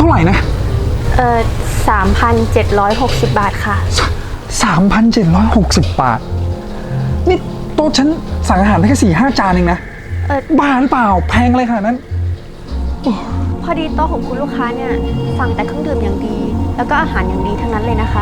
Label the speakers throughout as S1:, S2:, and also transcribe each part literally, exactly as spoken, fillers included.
S1: าไหร่นะ
S2: เอ่อสามพันเจ็ดร้อยหกสิบบาทค่ะ
S1: สามพันเจ็ดร้อยหกสิบบาทนี่โต๊ะฉันสั่งอาหารได้แค่สี่ห้าจานเองนะเออบ้าหรือเปล่าแพงอะไรขนาดนั้น
S2: พอดีโต๊ะของคุณลูกค้าเนี่ยสั่งแต่เครื่องดื่มอย่างดีแล้วก็อาหารอย่างดีทั้งนั้นเลยนะคะ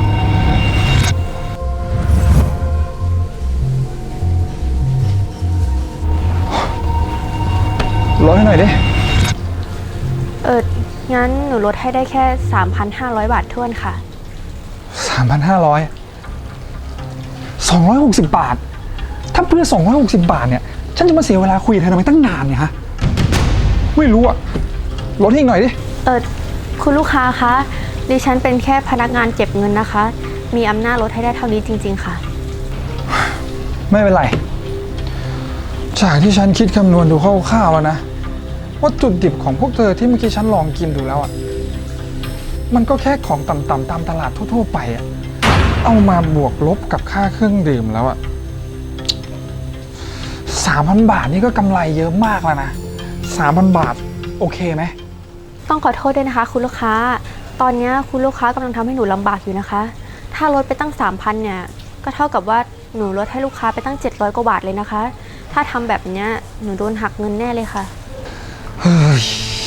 S1: ลดให้หน่อยดิ
S2: เอองั้นหนูลดให้ได้แค่ สามพันห้าร้อย บาทท้วนค่ะ
S1: สามพันห้าร้อย สองร้อยหกสิบบาทถ้าเพื่อสองร้อยหกสิบบาทเนี่ยฉันจะมาเสียเวลาคุยกับเธอทำไมตั้งนานเนี่ยฮะไม่รู้อะลดให้อีกหน่อยดิ
S2: เออคุณลูกค้าคะดิฉันเป็นแค่พนักงานเก็บเงินนะคะมีอำนาจลดให้ได้เท่านี้จริงๆค่ะ
S1: ไม่เป็นไรจากที่ฉันคิดคำนวณดูคร่าวๆแล้วนะว่าจุดดิบของพวกเธอที่เมื่อกี้ฉันลองกินดูแล้วอ่ะมันก็แค่ของต่ำๆตามตลาดทั่วๆไปอ่ะเอามาบวกลบกับค่าเครื่องดื่มแล้วอ่ะสามพันบาทนี่ก็กำไรเยอะมากแล้วนะสามพันบาทโอเคไหม
S2: ต้องขอโทษด้วยนะคะคุณลูกค้าตอนนี้คุณลูกค้ากำลังทำให้หนูลำบากอยู่นะคะถ้าลดไปตั้ง สามพัน เนี่ยก็เท่ากับว่าหนูลดให้ลูกค้าไปตั้งเจ็ดร้อยกว่าบาทเลยนะคะถ้าทำแบบนี้หนูโดนหักเงินแน่เลยค่ะ
S1: เฮ้ย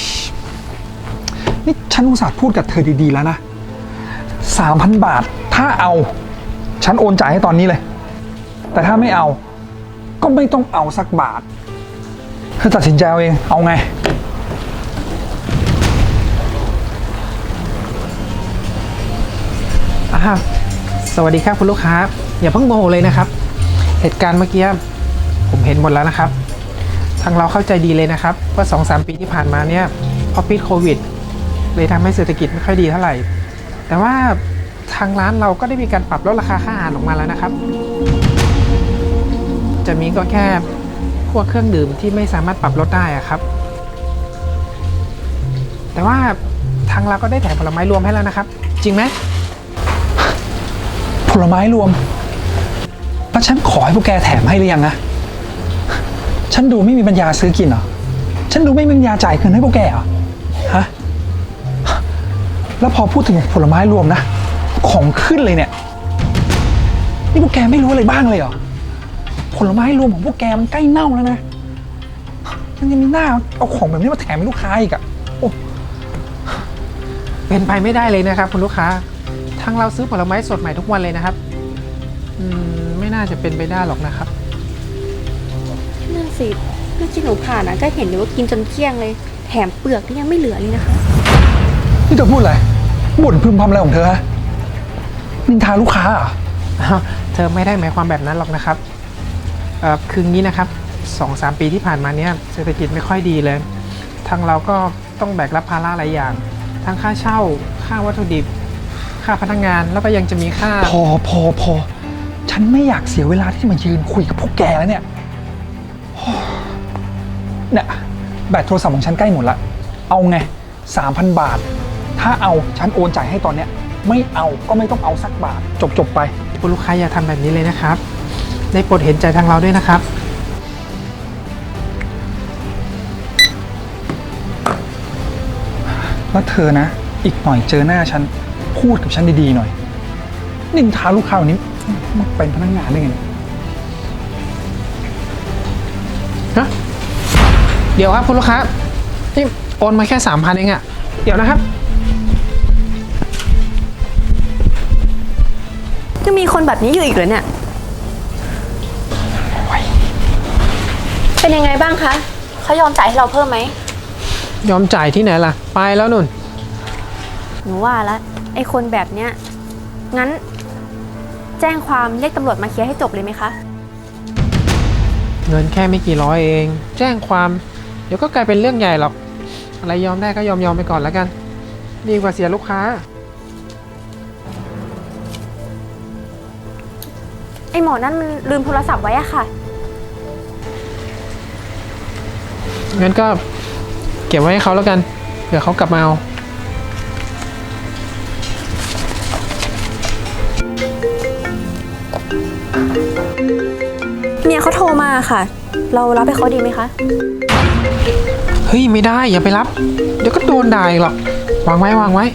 S1: นี่ฉันอุตส่าห์พูดกับเธอดีๆแล้วนะ สามพัน บาทถ้าเอาฉันโอนจ่ายให้ตอนนี้เลยแต่ถ้าไม่เอาก็ไม่ต้องเอาสักบาทเธอตัดสินใจเอาเองเอาไง
S3: อ่าสวัสดีครับคุณลูกค้าอย่าเพิ่งโมโหเลยนะครับเหตุการณ์เมื่อกี้ผมเห็นหมดแล้วนะครับทางเราเข้าใจดีเลยนะครับว่า สองสาม ปีที่ผ่านมาเนี่ยพอปิดโควิดเลยทำให้เศรษฐกิจไม่ค่อยดีเท่าไหร่แต่ว่าทางร้านเราก็ได้มีการปรับลดราคาค่าอาหารลงมาแล้วนะครับจะมีก็แค่พวกเครื่องดื่มที่ไม่สามารถปรับลดได้อะครับแต่ว่าทางเราก็ได้แถมผลไม้รวมให้แล้วนะครับจริงไหม
S1: ผลไม้รวมแล้วฉันขอให้พวกแกแถมให้หรือยังนะฉันดูไม่มีปัญญาซื้อกินเหรอฉันดูไม่มีปัญญาจ่ายเงินให้พวกแกเหรอฮะแล้วพอพูดถึงผลไม้รวมนะของขึ้นเลยเนี่ยนี่พวกแกไม่รู้อะไรบ้างเลยเหรอผลไม้รวมของพวกแกมันใกล้เน่าแล้วนะยังจะมีหน้าเอาของแบบนี้มาแถมให้ลูกค้าอีกอะโอ้
S3: เป็นไปไม่ได้เลยนะครับคุณลูกค้าทางเราซื้อผลไม้สดใหม่ทุกวันเลยนะครับอืมไม่น่าจะเป็นไปได้หรอกนะครับ
S2: นั่นสิเมื่อกี้หนูผ่านนะก็เห็นเลยว่ากินจนเกลี้ยงเลยแถมเปลือกนี่ยังไม่เหลือเลยนะคะ
S1: นี่เธอพูดอะไรบ่นพึมพำอะไรของเธอฮะนินทาลูกค้าอ่ะ
S3: เธอไม่ได้หมายความแบบนั้นหรอกนะครับเอ่อคืองี้นะครับ สองสาม ปีที่ผ่านมาเนี้ยเศรษฐกิจไม่ค่อยดีเลยทางเราก็ต้องแบกรับภาระหลายอย่างทั้งค่าเช่าค่าวัตถุดิบค่าพนักงานแล้วก็ยังจะมีค่า
S1: พอพอพอฉันไม่อยากเสียเวลาที่มายืนคุยกับพวกแกแล้วเนี่ยเนี่ยแบตโทรศัพท์ของฉันใกล้หมดละเอาไง สามพัน บาทถ้าเอาฉันโอนจ่ายให้ตอนเนี้ยไม่เอาก็ไม่ต้องเอาสักบาทจบจบไป
S3: คุณลูกค้าอย่าทำแบบนี้เลยนะครับได้โปรดเห็นใจทางเราด้วยนะครับ
S1: แล้วเธอนะอีกหน่อยเจอหน้าฉันพูดกับฉันดีๆหน่อยนินทาลูกค้าวันนี้มันเป็นพนักงานได้ไง
S3: ฮะเดี๋ยวครับคุณลูกค้านี่โอนมาแค่ สามพัน เองอะเดี๋ยวนะครับ
S2: ยังมีคนแบบนี้อยู่อีกเหรอเนี่ยเป็นยังไงบ้างคะเขายอมจ่ายให้เราเพิ่มไหม
S3: ยอมจ่ายที่ไหนล่ะไปแล้วนุ่น
S2: หนูว่าแล้วไอ้คนแบบเนี้ยงั้นแจ้งความเรียกตำรวจมาเคลียร์ให้จบเลยไหมคะ
S3: เงินแค่ไม่กี่ร้อยเองแจ้งความเดี๋ยวก็กลายเป็นเรื่องใหญ่หรอกอะไรยอมได้ก็ยอมยอมไปก่อนแล้วกันดีกว่าเสียลูกค้า
S2: ไอ้หมอนั่นมันลืมโทรศัพท์ไว้อะค่ะ
S3: งั้นก็เก็บไว้ให้เขาแล้วกันเผื่อเขากลับมาเอา
S2: เมียเขาโทรมาค่ะเรารับให้เขาดีไหมคะ
S3: เฮ้ยไม่ได้อย่าไปรับเดี๋ยวก็โดนด่าอีกหรอกวางไว้วางไว้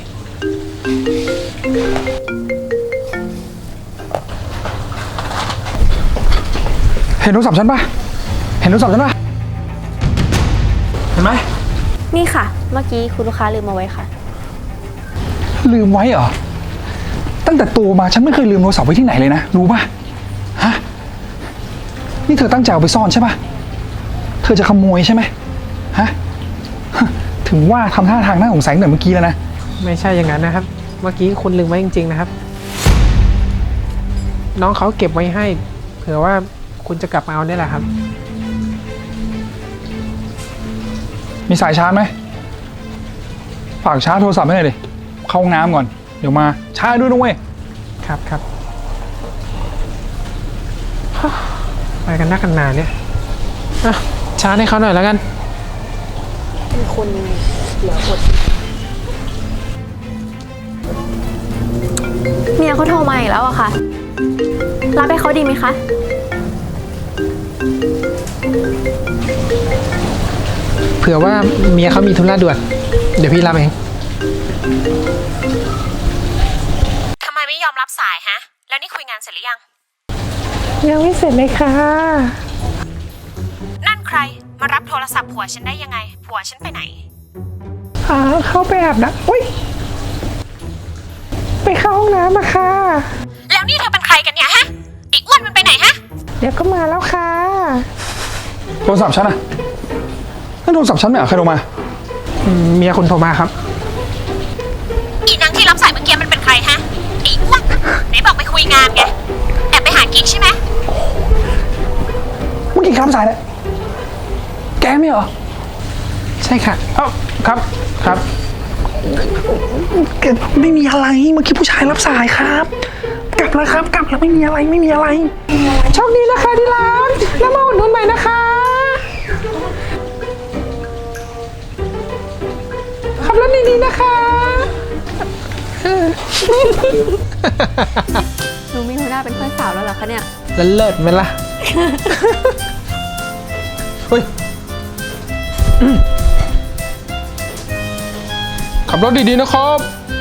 S1: เห็นโทรศัพท์ฉันปะเห็นโทรศัพท์ฉันปะเห็นไหม
S2: นี่ค่ะ เมื่อกี้คุณลูกค้าลืมมาไว้ค่ะ
S1: ลืมไว้เหรอ ตั้งแต่โตมาฉันไม่เคยลืมโทรศัพท์ไว้ที่ไหนเลยนะ รู้ปะฮะ นี่เธอตั้งใจเอาไปซ่อนใช่ปะเธอจะขโมยใช่ไหมฮะ ถึงว่าทำท่าทางน่าสงสัยตั้งแต่เมื่อกี้แล้วนะ
S3: ไม่ใช่อย่างนั้นนะครับ เมื่อกี้คุณลืมไว้จริงๆนะครับ น้องเขาเก็บไว้ให้ เผื่อว่าคุณจะกลับมาเอาได้แหละครับ
S1: มีสายชาร์จไหม ฝากชาร์จโทรศัพท์ให้หน่อยดิ เข้าห้องน้ำก่อน เดี๋ยวมา ชาร์จด้วยนะเว้ย
S3: ครับครับฮ่าไปกันนักกันหนาเนี่ยอ่ะชาร์จให้เขาหน่อยแล้วกัน
S2: เป็นคนเหลืออดเมียเขาโทรมาอีกแล้วอะค่ะ รับให้เขาดีไหมคะ
S3: เผื่อว่าเมียเขามีธุระด่วน เดี๋ยวพี่รับเอง
S4: ทำไมไม่ยอมรับสายฮะ แล้วนี่คุยงานเสร็จหรือยัง
S3: ยังไม่เสร็จเลยค่ะ
S4: นั่นใคร มารับโทรศัพท์ผัวฉันได้ยังไง ผัวฉันไปไหน
S3: อ่าเข้าไปอาบน้ำอุ้ย ไปเข้าห้องน้ำมาค่ะ
S4: แล้วนี่เธอเป็นใครกันเนี่ยฮะ อีกอ้วนมันไปไหนฮะ
S3: เดี๋ยวก็มาแล้วค่ะ
S1: โทรศัพท์ฉันอะนั่นโทรศัพท์ฉันเนี่ยใครโทรมา
S3: อืมเมียคุณโทรมาครับ
S4: อีนางที่รับสายเมื่อกี้มันเป็นใครฮะอีอ้วนไหนบอกไปคุยงานไง แอบไปหากิ๊กใช่ไหม
S1: เมื่อกี้ครับสายเนี่ยแกไม่เหรอ
S3: ใช่ค่ะเอ้าครับ ครับ
S1: แกไม่มีอะไร เมื่อกี้ผู้ชายรับสายครับ กลับแล้วครับ กลับแล้วไม่มีอะไร ไม่มีอะไร
S3: โชคดีนะคะที่รักแล้วมาอุดหนุนใหม่นะคะ ขับรถดีๆนะคะ
S2: หนูมีหัวหน้าเป็นเพื่อนสาวแล้วเหรอคะเนี่ย
S3: แล้วเลิศไหมล่ะ เฮ้ย
S5: ขับรถดีๆนะครับ